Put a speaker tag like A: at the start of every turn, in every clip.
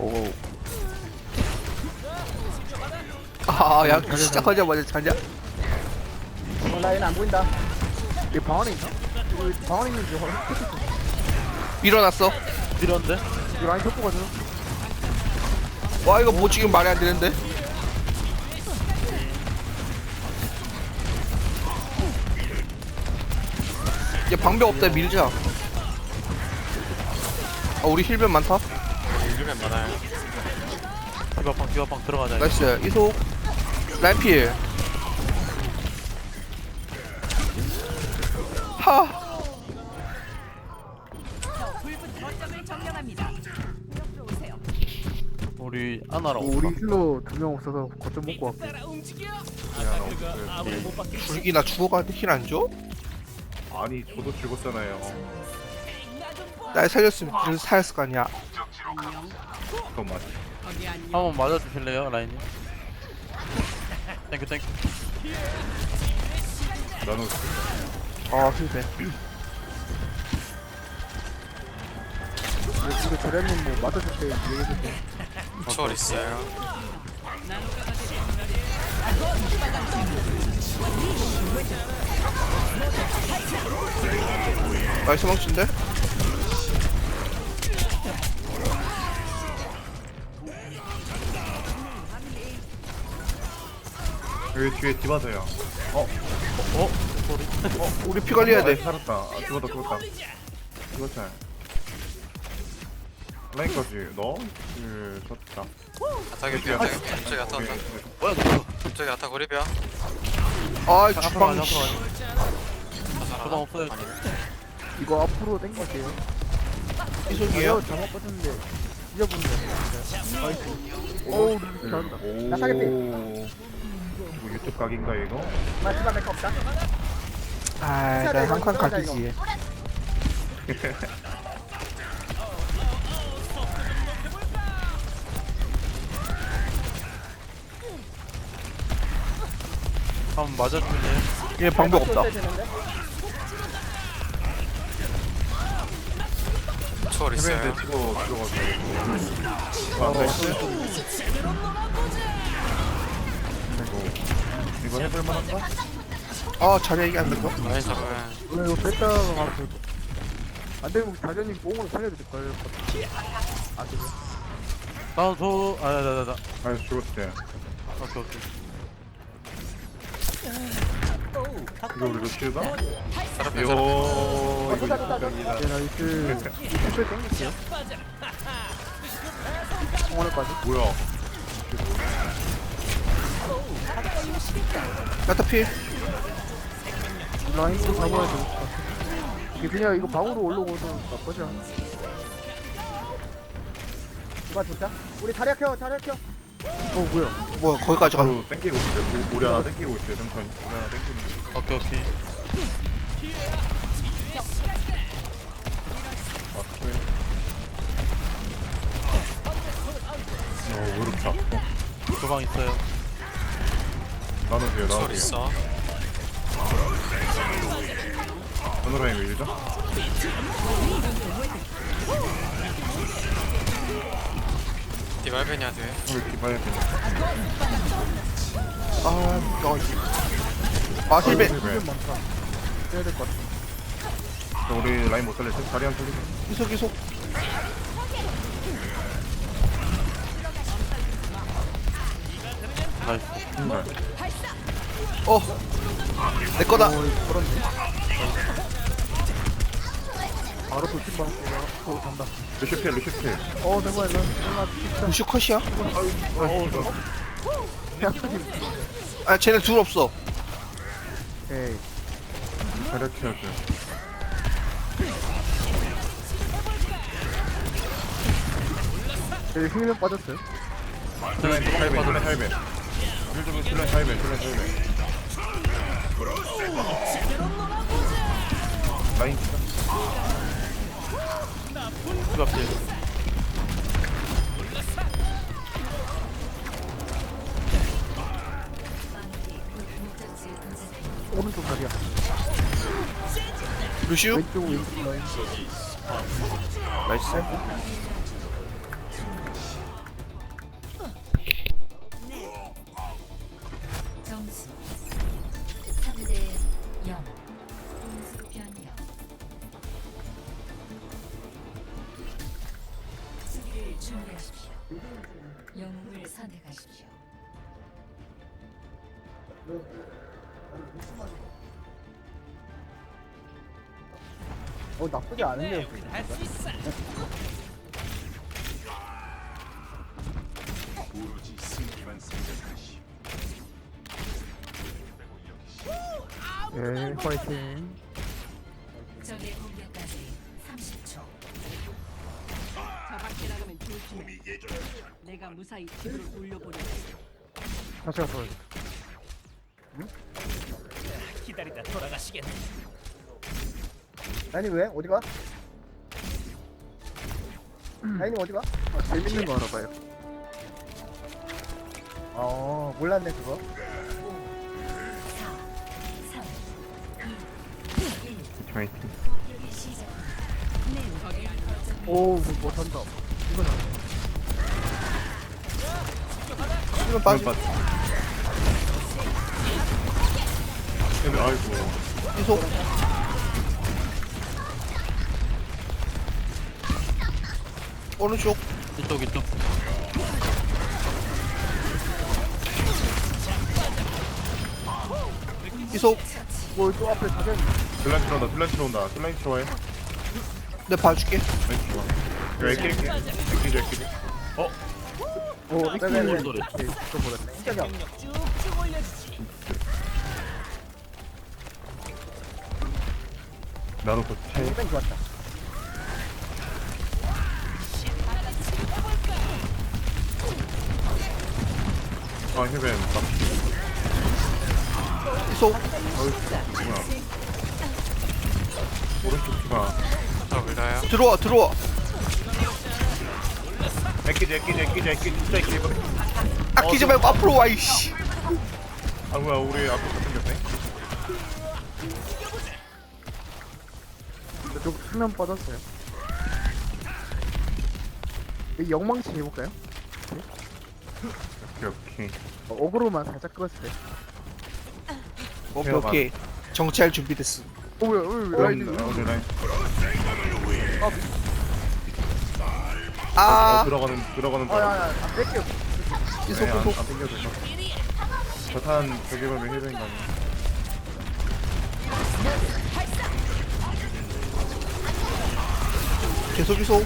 A: 오. 아, 야, 시작하자마자 자냐?
B: 라인 안 보인다. 얘 방 안에 있나? 이거 방 안에 있는지
A: 일어났어.
C: 밀었는데?
B: 이 라인 덮고 가죠.
A: 와, 이거 뭐 지금 말이 안 되는데? 얘 방벽 없다, 밀자. 아, 우리 힐변 많다.
D: 일주면 많아요.
C: 디바방 들어가자.
A: 나이스. 이속. 라이필. 하.
C: 우리 아나랑
B: 우리 힐러 2명 없어서 거점 먹고 왔고.
A: 불기나 죽어가는데 힐 안 줘?
E: 아니 저도 죽었잖아요.
A: 날 살렸으면 그래서 살았을 거 아니야.
E: 그건 맞아.
C: 한번 맞아주실래요, 라인님? 땡큐.
E: 나는
A: 아, 힐변.
B: 이거 저래는 뭐 맞아줄 때 얘기해줄 때.
D: 초월 있어요.
A: 나이스 망친데?
E: 여기 뒤에 디바서요.
A: 우리 피 관리해야 돼.
E: 살았다. 아, 죽었다. 죽었잖아. 라인까지 너? 좋다.
D: 아타게 피어. 갑자기 아타 온다.
C: 뭐야, 너?
D: 갑자기 아타 고립이야.
A: 아,
C: 앞으로
A: 주방.
C: 가자,
A: 씨.
C: 앞으로 가자. 주방 없어요.
B: 이거 앞으로 당길게요.
A: 이속이에요?
B: 잘못 빠졌는데 잊어보는 거 나이스. 오우 잘한다.
E: 오.
B: 나 사겠대.
E: 이거 유튜브 각인가 이거?
B: 마지막 메카 없다.
A: 아, 나 한 칸 각이지.
C: 한번 맞아주실래요?
A: 얘 방법 없다.
D: 초월 있어요.
E: 해변대 치고 들어가서. 안 돼. 이거 해볼만한가?
A: 아, 자리 얘기 안 된다.
D: 라인 잡으면
B: 이거 뺐다가 가서 안 되면 다전이 몸으로 살려도 될걸. 안 되면.
C: 나.
E: 아니 죽었대.
C: 오케이.
E: 이거 우리 루시우다?
D: 사람들
E: 이거
B: 좋다.
E: 유튜브이다.
B: 네 나이스. 슈퍼 땡길게요. 오늘까지.
E: 뭐야?
A: 야타 필.
B: 라인도 잡아야 돼. 이게 그냥 이거 방으로 올라오고서 나쁘지 않아. 누가 좋다? 우리 자리 켜. 뭐야?
A: 뭐야, 거기까지 가.
E: 바로 땡기고 있어요. 우리 하나 땡기고 있어요. 천천히. 우리 하나 땡기는 거.
C: 오케이.
E: 무릎 잡고.
C: 주방 있어요.
E: 나눠줘요.
D: 초월 있어.
E: 어느 라인 밀죠?
D: 디발벤이야 돼.
E: 우리 디바야 돼.
A: 아, 힐변.
B: 좀 많다. 해야 될 것 같아.
E: 우리 라인 못 살렸어? 다리 한 소리.
A: 이속.
C: 나이스.
A: 어. 내 거다.
B: 그렇네. 바로 돌진 받았어요. 간다.
E: 루시필.
B: 정말 나 진짜
A: 무슈 컷이야?
B: 약하지.
A: 아, 쟤네 둘 없어.
B: 에이.
E: 가르쳐줘.
B: 제 힘이 빠졌어요.
E: 슬라임 8배. 힐좀 슬라임 8배. 라인
C: 디바 피해.
B: 오른쪽 다리야.
A: 루시우?
B: 왼쪽 라인.
A: 나이스.
F: 선택하십시오.
B: 나쁘지 않은데요. 예, 파이팅.
F: 적의 공격까지 30초.
G: 저 밖에 나가면 조심해. 내가 무사히 집으로 돌려보내.
B: 다시 가서
H: 기다리다 돌아가시겠네.
I: 아니 왜? 어디가? 아니 어디가?
B: 재밌는 거 알아봐요.
I: 몰랐네 그거.
F: 4, 3,
E: 파이팅.
F: 시작.
B: 오, 못한다. 이건 안 돼.
A: 이건 빠지.
E: 근데 아이고.
A: 이속. 오른쪽.
C: 이쪽 이쪽.
A: 이속.
B: 또 앞에 자전.
E: 슬라임 들어온다. 슬라임 들어온다. 슬라임 좋아해.
A: 내 봐줄게.
E: 슬라임 좋아. 이거 애끼리.
B: 오,
I: 네.
C: 소리.
B: 또 버렸네.
I: 시작이야.
G: 쭉쭉 올려주지.
E: 나도 그
I: 이건 좋았다.
E: 해변 막
A: 이속.
E: 뭐야. 오른쪽 피가.
D: 저 밀어요.
A: 들어와 들어와.
E: 애끼지. 진짜 애끼지. 이번에.
A: 아끼지 말고 앞으로 와 이씨.
E: 아 뭐야 우리 앞에 다 생겼네.
B: 좀 수면 빠졌어요. 이 영망치 해볼까요?
E: 오케이.
B: 어그로만 살짝 끄었어요.
A: 오케이 오케이. 정치할 준비됐어.
B: 왜 라이딩?
E: 오늘 라인.
A: 아
E: 들어가는 바람.
B: 야야, 안 뺄게요.
A: 이속
E: 네,
A: 이속.
E: 안 땡겨도 돼. 저탄 저기 가면 해변 가면.
A: 계속 이속.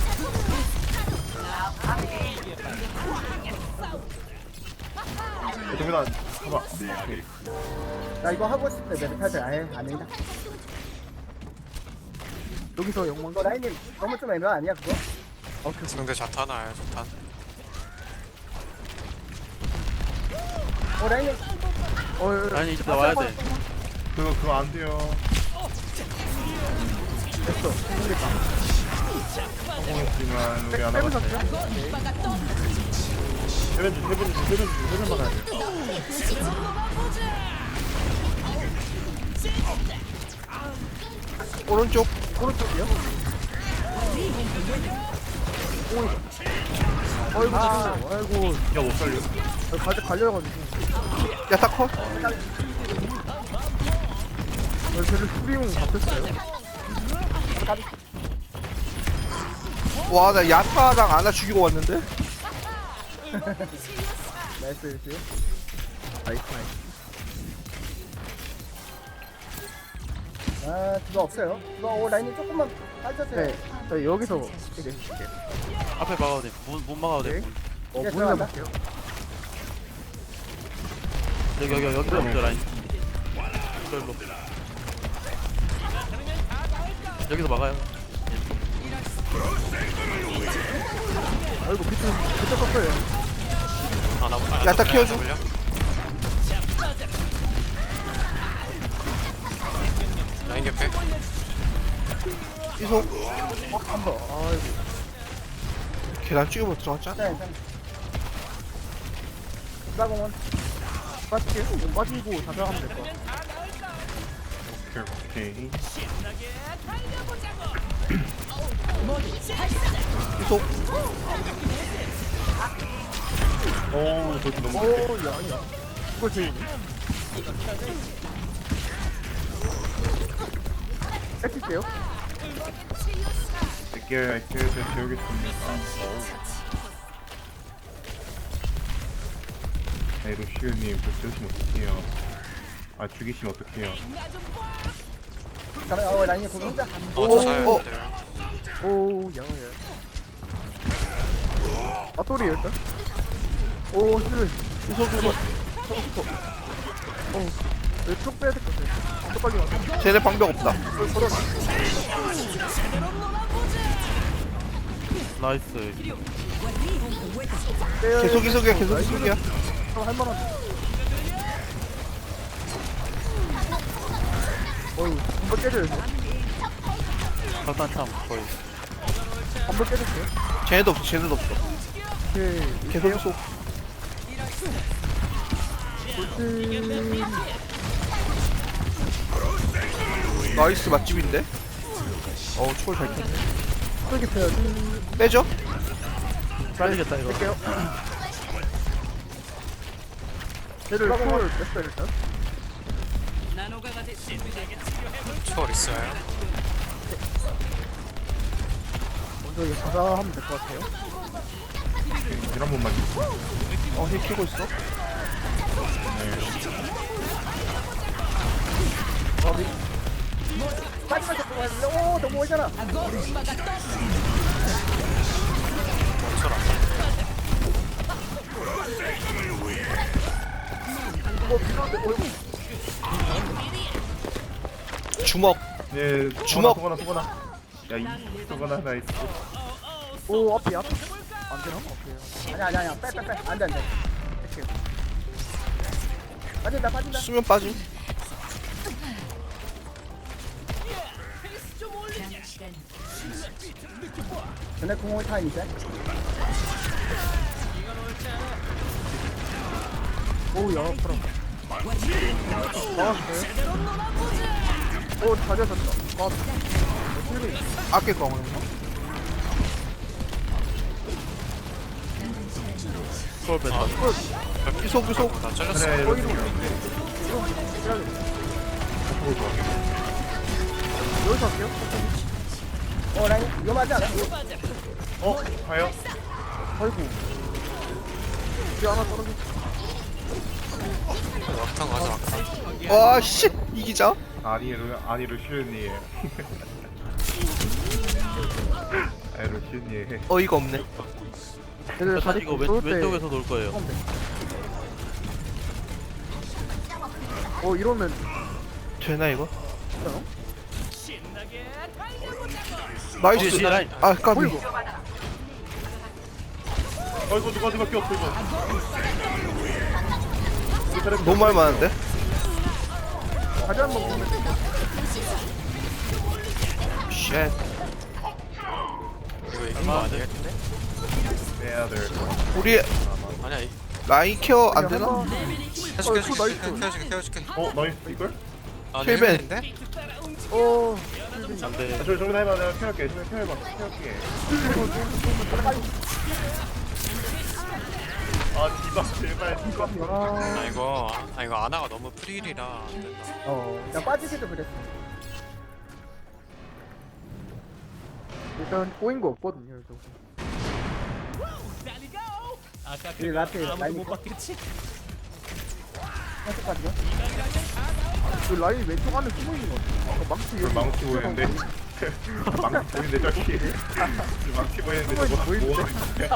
E: 동민아 봐봐. 오케이.
I: 나 이거 하고 싶을 때 메르타즈 아예 안 된다.
B: 여기서 영망치.
I: 너 라인님 너무 좀 애매 아니야 그거?
D: 상대 자탄 아야 자탄.
I: 라인님
C: 아니 이제 나와야 돼.
E: 그거 안 돼요.
B: 됐어.
E: 성공했지만 우리 안
B: 빼면
E: 와봤어.
B: 샀죠?
E: 해변 막아야 돼.
A: 오른쪽.
B: 오른쪽이요? 아이고, 아이고.
E: 야 못 살려.
B: 갈려가지고.
A: 야타커.
B: 쟤를 수비용 잡혔어요.
A: 와 나 야타랑 아나 죽이고 왔는데.
B: 나이스, 나이스. 나이스.
I: 그거 없어요. 그거 라인님 조금만 빠졌어요.
B: 네, 저 여기서 이렇게 해줄게요.
C: 앞에 막아도 돼. 문 막아도 돼.
B: 네.
C: 문.
I: 예,
B: 문을
I: 들어간다.
B: 볼게요.
C: 여기서 먼저 라인. 일로. 여기서 막아요.
B: 아이고, 비트 떴어요.
A: 야타 키워줘.
D: 라인 개패.
A: 이속.
B: 한 번. 아이고.
A: 계단 찍어보 들어갔잖아.
I: 네, 네. 디바공원.
B: 빠질게요. 빠지고 자작하면 될 것 같아.
E: 오케이.
A: 이속.
E: 오 저기 너무.
B: 오, 야, 아니야. 이거 제일. 뺏길게요.
E: 제가 재우겠습니다. 아이 루시우님 저 죽이시면 어떡해요. 아 죽이시면 어떡해요.
I: 잠깐만, 라인이 거기 혼자.
D: 저 사야
A: 어.
D: 돼요.
B: 오, 야야. 아, 또리 일단. 오, 힐.
A: 이소.
B: 쭉 빼야 될 것 같아. 또 빨리 와.
A: 쟤네 방벽 없다.
C: 나이스.
B: 빼야
A: 계속 이속이야, 계속 이속이야.
B: 할만한. 어휴, 한번 깨져요.
C: 일단 참 거의.
B: 한번 깨졌어요.
A: 쟤네도 없어, 쟤네도 없어.
B: 오케이.
A: 계속 이속.
B: 돌진.
A: 나이스 맛집인데? 초월 잘 켰네.
B: 쏘기 패야지.
A: 빼죠?
C: 잘리겠다 이거.
B: 뺄게요. 쟤를 콜 뺐어요, 일단.
G: 나노가가 됐지.
D: 초월 있어요.
B: 먼저 이거 가사하면 될 것 같아요.
E: 한 번만
A: 힐 키고 있어.
I: 마지막 잡고 가는데, 오, 너무 오잖아.
D: 초월 안
A: 주먹.
E: 예
A: 주먹.
E: 소거나 야이 소거나 나이스.
B: 오, 앞에. 안 되나? 오케이.
I: 아니야. 빼. 안 돼. 빠진다.
A: 수면 빠짐.
F: 남은 시간
I: 전에 공을 타임 이제.
B: 오, 야, 그럼. 나왔어요? 오, 잘 잡았다.
A: 아껴 거는
C: 초월 뺐다.
A: 이속.
D: 나 잘렸어.
E: 그래 이렇게
B: 여기서 할게요.
I: 라인 위험하지 않아?
E: 가요?
B: 아이고. 뒤에 하나 떨어졌어.
D: 막탄 가자 막탄.
A: 와, 씨. 이기자.
E: 아니 루시우님. 아이 루시우님.
A: 어이가 없네.
B: 얘들
C: 일단
B: 다리
C: 이거
B: 쏠 때.
C: 왼쪽에서 놀 거예요.
B: 이러면
A: 되나, 이거?
B: 괜찮아?
A: 나이스.
C: 뒤에 라인.
A: 아, 까비.
E: 아이고 누가 꼈어 이거.
A: 너무 할 만한데?
B: 다리 한번 보면
A: 쉣.
D: 이거 이긴 거 아니에요?
E: 빼야 될 거.
A: 우리
D: 아니야.
A: 라인 케어 안 되나?
D: 해줄게
B: 어, 나이스.
D: 태워줄게.
E: 나이스 이걸?
D: 아,
A: 힐벤.
D: 힐벤인데?
C: 안돼.
E: 저 정면 해봐 내가 피할게. 정면 피해봐. 피할게. 아 디바 제발 디바.
D: 아 이거 아나가 너무 프릴이라 안 된다.
I: 나 빠지기도 그랬어.
B: 일단 꼬인 거 없거든요. 여기서.
H: 아까
I: 이 라테
H: 아무도
I: 라인
H: 못 봤겠지?
I: 계속까지요?
B: 그 라인 왼쪽 안에 숨어 있는 거 같아. 아까 망치 여기.
E: 망치 보이는데. 망치 보이는데 저기. 망치 보이는데 저거 뭐?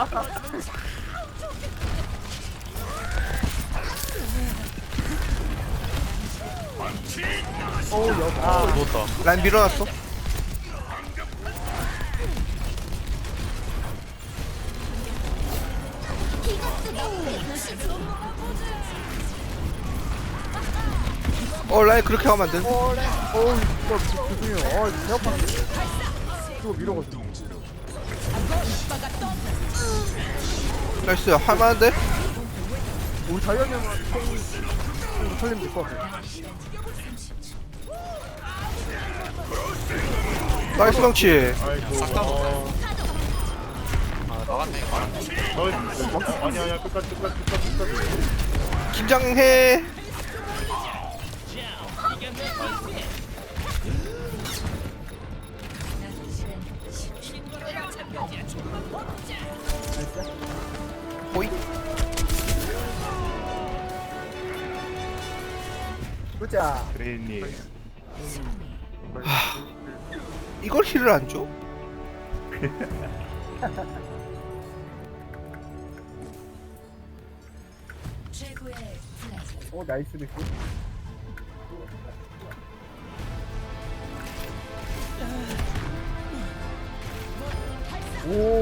C: 누웠다.
A: 라인 밀어놨어. 라인 그렇게 하면 안 돼.
B: 진짜 죄송해요. 배 아팠는데. 이거 밀어가지고.
A: 나이스. 할 만한데?
B: 우리 자이언이 형은 살리면 될 것 같아.
A: 나이스 명치.
E: 아이고.
D: 싹다 아 나갔네 이거.
E: 너 아니야 끝까지.
A: 긴장해.
F: 남은 시간
A: 호이.
I: 보자.
E: 그레이님.
A: 이걸 힐을 안 줘?
F: 최고의 플레이.
I: 오 나이스 리스. 오